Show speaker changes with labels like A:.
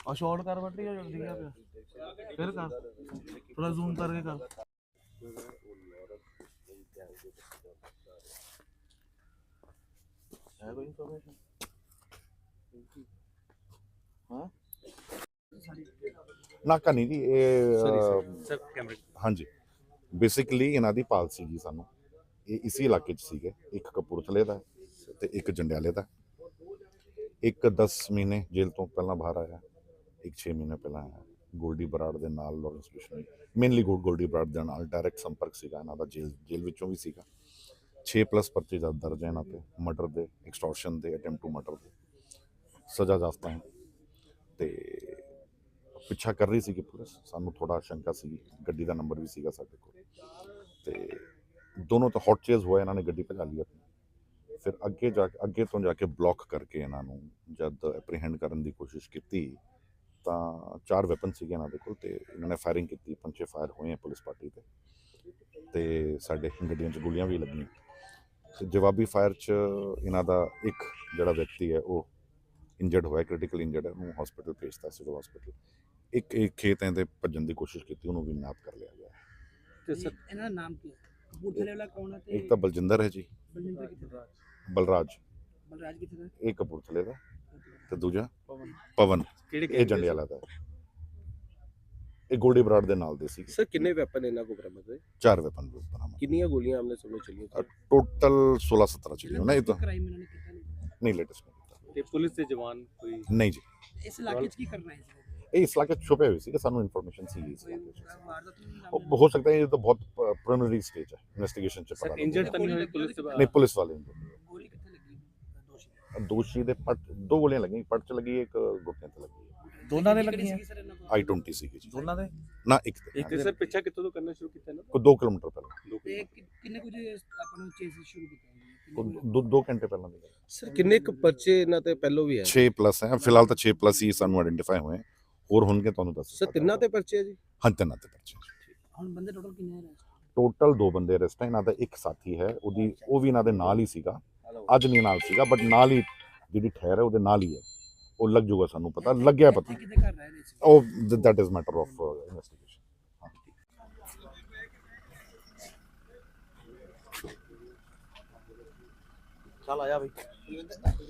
A: और शॉर्ट कर बटी है जल्दी क्या पे फिर कर थोड़ा जूम करके कर है कोई इंफॉर्मेशन हां
B: ਨਾਕਾ ਨਹੀਂ ਜੀ ਇਹ
C: ਸਰ ਕੈਮਰੇ
B: ਹਾਂਜੀ ਬੇਸਿਕਲੀ ਇਹਨਾਂ ਦੀ ਪਾਲ ਸੀਗੀ ਸਾਨੂੰ ਇਹ ਇਸੇ ਇਲਾਕੇ 'ਚ ਸੀਗੇ ਇੱਕ ਕਪੂਰਥਲੇ ਦਾ ਤੇ ਇੱਕ ਜੰਡਿਆਲੇ ਦਾ ਇੱਕ 10 ਮਹੀਨੇ ਜੇਲ੍ਹ ਤੋਂ ਪਹਿਲਾਂ ਬਾਹਰ ਆਇਆ ਇੱਕ 6 ਮਹੀਨੇ ਪਹਿਲਾਂ ਆਇਆ ਗੋਲਡੀ ਬਰਾੜ ਦੇ ਨਾਲ ਲਾਰੈਂਸ ਬਿਸ਼ਨੋਈ ਮੇਨਲੀ ਗੋਲਡੀ ਬਰਾੜ ਦੇ ਨਾਲ ਡਾਇਰੈਕਟ ਸੰਪਰਕ ਸੀਗਾ ਇਹਨਾਂ ਦਾ ਜੇਲ੍ਹ ਵਿੱਚੋਂ ਵੀ ਸੀਗਾ 6+ ਪਰਚੇ ਦਰਜ ਹੈ ਇਹਨਾਂ ਤੇ ਮਰਡਰ ਦੇ ਐਕਸਟੋਰਸ਼ਨ ਦੇ ਅਟੈਂਪਟ ਟੂ ਮਰਡਰ ਦੇ ਸਜ਼ਾ ਜ਼ਾਫਤਾ ਹੈ ਤੇ ਪਿੱਛਾ ਕਰ ਰਹੀ ਸੀਗੀ ਪੁਲਿਸ ਸਾਨੂੰ ਥੋੜਾ ਸ਼ੰਕਾ ਸੀ ਗੱਡੀ ਦਾ ਨੰਬਰ ਵੀ ਸੀਗਾ ਸਾਡੇ ਕੋਲ ਤੇ ਦੋਨੋਂ ਤਾਂ ਹੌਟ ਚੇਜ਼ ਹੋਇਆ ਇਹਨਾਂ ਨੇ ਗੱਡੀ ਭਜਾ ਲਈ ਆਪਣੀ ਫਿਰ ਅੱਗੇ ਤੋਂ ਜਾ ਕੇ ਬਲੌਕ ਕਰਕੇ ਇਹਨਾਂ ਨੂੰ ਜਦ ਐਪਰੀਹੈਂਡ ਕਰਨ ਦੀ ਕੋਸ਼ਿਸ਼ ਕੀਤੀ ਤਾਂ 4 ਵੈਪਨ ਸੀਗੇ ਇਹਨਾਂ ਦੇ ਕੋਲ ਤੇ ਇਹਨਾਂ ਨੇ ਫਾਇਰਿੰਗ ਕੀਤੀ 5 ਫਾਇਰ ਹੋਏ ਪੁਲਿਸ ਪਾਰਟੀ ਤੇ ਸਾਡੇ ਗੱਡੀਆਂ 'ਚ ਗੋਲੀਆਂ ਵੀ ਲੱਗੀਆਂ ਤੇ ਜਵਾਬੀ ਫਾਇਰ 'ਚ ਇਹਨਾਂ ਦਾ ਇੱਕ ਜਿਹੜਾ ਵਿਅਕਤੀ ਹੈ ਉਹ ਇੰਜਰਡ ਹੋਇਆ ਕ੍ਰਿਟੀਕਲ ਇੰਜਰਡ ਹੈ ਉਹਨੂੰ ਹਸਪੀਟਲ ਭੇਜਤਾ ਸਿਵਲ ਹਸਪੀਟਲ ਇੱਕ ਖੇਤ ਦੇ ਭੱਜਣ ਦੀ ਕੋਸ਼ਿਸ਼ ਕੀਤੀ ਉਹਨੂੰ ਵੀ ਨਾਪ ਕਰ ਲਿਆ ਗਿਆ
C: ਤੇ ਸਰ
D: ਇਹਨਾਂ ਦਾ ਨਾਮ ਕੀ ਹੈ ਕਪੂਰਥਲੇ ਵਾਲਾ ਕੌਣ ਹੈ ਤੇ
B: ਇੱਕ ਤਾਂ ਬਲਜਿੰਦਰ ਹੈ ਜੀ
D: ਬਲਜਿੰਦਰ ਕਿੱਥੇ ਦਾ
B: ਬਲਰਾਜ
D: ਕਿੱਥੇ ਦਾ
B: ਇਹ ਕਪੂਰਥਲੇ ਦਾ ਤੇ ਦੂਜਾ ਪਵਨ ਇਹ ਜੰਡਿਆਲਾ ਦਾ ਇਹ ਗੋਲਡੀ ਬਰਾੜ ਦੇ ਨਾਲ ਦੇ ਸੀ
C: ਸਰ ਕਿੰਨੇ ਵੈਪਨ ਇਹਨਾਂ ਕੋਲ ਬਰਾਮਦ ਹੋਏ
B: 4 ਵੈਪਨ ਬਰਾਮਦ
C: ਕਿੰਨੀਆਂ ਗੋਲੀਆਂ ਆਮਨੇ ਸਾਹਮਣੇ ਚੱਲੀਆਂ
B: ਟੋਟਲ 16-17 ਚੱਲੀਆਂ ਨਾ ਇਹ ਤਾਂ
D: ਕ੍ਰਾਈਮ ਇਹਨਾਂ ਨੇ ਕੀਤਾ
B: ਨਹੀਂ ਲੇਟੈਸਟ ਨਹੀਂ ਕੀਤਾ
C: ਤੇ ਪੁਲਿਸ ਦੇ ਜਵਾਨ ਕੋਈ
B: ਨਹੀਂ ਜੀ
D: ਇਸ ਇਲਾਕੇ 'ਚ ਕੀ ਕਰ ਰਹੇ ਸੀ
B: ਇਹ ਇਸ ਇਲਾਕੇ 'ਚ ਛੁਪੇ ਹੋਏ ਸੀ ਸਾਨੂੰ ਇਨਫੋਰਮੇਸ਼ਨ ਸੀ ਇਸ ਇਲਾਕੇ 'ਚ
D: ਵਾਰਦਾਤ ਨੂੰ
B: ਉਹ ਹੋ ਸਕਦਾ ਹੈ ਇਹ ਤਾਂ ਬਹੁਤ ਪ੍ਰੀਲਿਮਿਨਰੀ ਸਟੇਜ ਹੈ ਇਨਵੈਸਟੀਗੇਸ਼ਨ 'ਚ ਪਤਾ
C: ਸਰ ਇੰਜਰਡ ਤਾਂ ਨਹੀਂ ਹੋਏ ਪੁਲਿਸ ਦੇ
B: ਨਹੀਂ ਪੁਲਿਸ ਵਾਲੇ
D: ਗੋਲੀ ਕਿੱਥੇ ਲੱਗੀ
B: ਦੋਸ਼ੀ ਦੇ ਪੱਟ 2 ਗੋਲੀਆਂ ਲੱਗੀਆਂ ਪੱਟ 'ਚ ਲੱਗੀ ਇੱਕ ਗੁੱਟੇ ਤੇ ਲੱਗੀ
A: ਦੋਨਾਂ ਦੇ ਲੱਗੀਆਂ
B: I-20 ਸੀਗੀ ਜੀ
A: ਦੋਨਾਂ ਦੇ
B: ਨਾ ਇੱਕ ਤੇ
C: ਤੇ ਸਰ ਪਿੱਛਾ ਕਿੱਥੋਂ ਤੋਂ ਕਰਨਾ ਸ਼ੁਰੂ ਕੀਤਾ ਨਾ
B: ਕੋਈ 2 ਕਿਲੋਮੀਟਰ ਪਹਿਲਾਂ
D: ਤੇ ਕਿੰਨੇ ਕੁ ਜੇ ਆਪਾਂ ਨੂੰ ਚੇਸ ਸ਼ੁਰੂ ਕੀਤਾ
B: 2 ਘੰਟੇ ਪਹਿਲਾਂ ਦੀ ਗੱਲ
C: ਸਰ ਕਿੰਨੇ ਕੁ ਪਰਚੇ ਇਹਨਾਂ ਤੇ ਪਹਿਲੋਂ ਵੀ ਹੈ
B: 6+ ਹੈ ਫਿਲਹਾਲ ਤਾਂ 6+ ਹੀ ਸਾਨੂੰ ਆਇਡੈਂਟੀਫਾਈ ਹੋਏ ਹੋਰ ਹੋਣਗੇ ਤੁਹਾਨੂੰ ਦੱਸ
C: ਸਰ ਤਿੰਨਾਂ ਤੇ ਪਰਚੇ ਹੈ ਜੀ
B: ਹਾਂ ਤਿੰਨਾਂ ਤੇ ਪਰਚੇ
D: ਹੁਣ ਬੰਦੇ ਟੋਟਲ ਕਿੰਨੇ ਹੈ
B: ਟੋਟਲ 2 ਬੰਦੇ ਅਰੈਸਟ ਹੈ ਇਹਨਾਂ ਦਾ ਇੱਕ ਸਾਥੀ ਹੈ ਉਹ ਵੀ ਇਹਨਾਂ ਦੇ ਨਾਲ ਹੀ ਸੀਗਾ ਅੱਜ ਨਹੀਂ ਨਾਲ ਸੀਗਾ ਬਟ ਨਾਲ ਹੀ ਜਿਹੜੀ ਠਹਿਰ ਹੈ ਉਹਦੇ ਨਾਲ ਹੀ ਹੈ ਉਹ ਲੱਗ ਜਾਊਗਾ ਸਾਨੂੰ ਪਤਾ ਲੱਗਿਆ ਪਤਾ
D: ਕਿਤੇ ਕਰ ਰਹੇ ਨੇ
B: ਉਹ that is matter of investigation
A: चल आया भाई